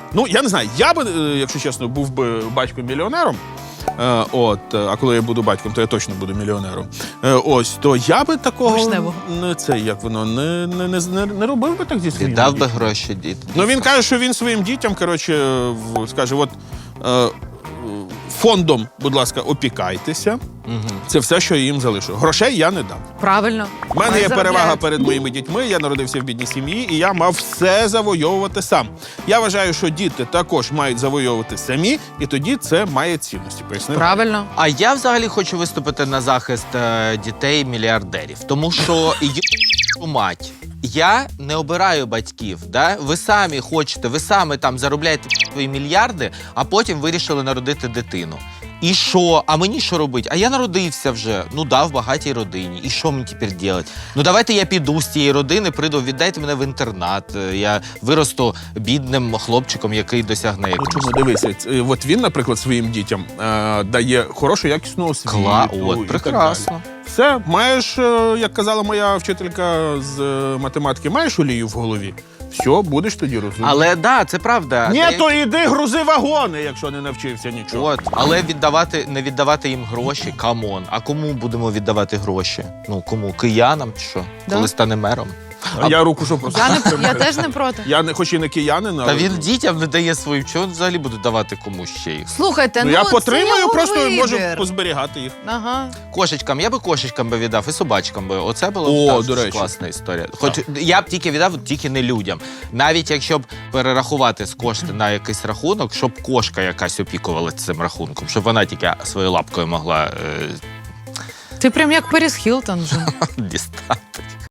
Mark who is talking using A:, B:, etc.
A: Ну, я не знаю, я би, якщо чесно, був би батьком-мільйонером. А коли я буду батьком, то я точно буду мільйонером. То я би такого не робив би так зі своїм.
B: Віддав би гроші дітям.
A: Ну, він каже, що він своїм дітям, скаже, фондом, будь ласка, опікайтеся. Це все, що я їм залишу. Грошей я не дам.
C: Правильно.
A: У мене є перевага перед моїми дітьми, я народився в бідній сім'ї, і я мав все завойовувати сам. Я вважаю, що діти також мають завойовувати самі, і тоді це має цінності. Пояснив?
C: Правильно.
B: А я взагалі хочу виступити на захист дітей-мільярдерів. Тому що, мать, я не обираю батьків. Да? Ви самі хочете, ви самі там заробляєте свої мільярди, а потім вирішили народити дитину. І що? А мені що робити? А я народився вже, в багатій родині. І що мені тепер робити? Ну давайте я піду з цієї родини, прийду, віддайте мене в інтернат. Я виросту бідним хлопчиком, який досягне якогось.
A: Ну, чому, дивися, от він, наприклад, своїм дітям дає хорошу, якісну освіту.
B: Прекрасно.
A: Все, маєш, як казала моя вчителька з математики, маєш олію в голові? Все, будеш тоді розуміти.
B: Але це правда.
A: Ні, то йди грузи вагони, якщо не навчився нічого.
B: Але не віддавати їм гроші, камон. А кому будемо віддавати гроші? Ну, кому? Киянам чи що?
C: Да.
B: Коли стане мером?
A: Я руку що просто.
C: Я теж не проти.
A: Я не хоч і не киянин, але...
B: Та він дітям не дає своїм, чого він взагалі буде давати комусь ще їх?
C: Слухайте,
A: я
C: це
A: потримаю,
C: його
A: просто
C: вибір.
A: можу позберігати їх.
C: Ага.
B: Кошечкам, я би кошечкам віддав і собачкам би. Оце була
A: до речі.
B: класна історія. Хоч я б тільки віддав, тільки не людям. Навіть якщо б перерахувати з кошти на якийсь рахунок, щоб кошка якась опікувалася цим рахунком, щоб вона тільки своєю лапкою могла
C: Ти прям як Періс Хілтон вже.
B: дістати.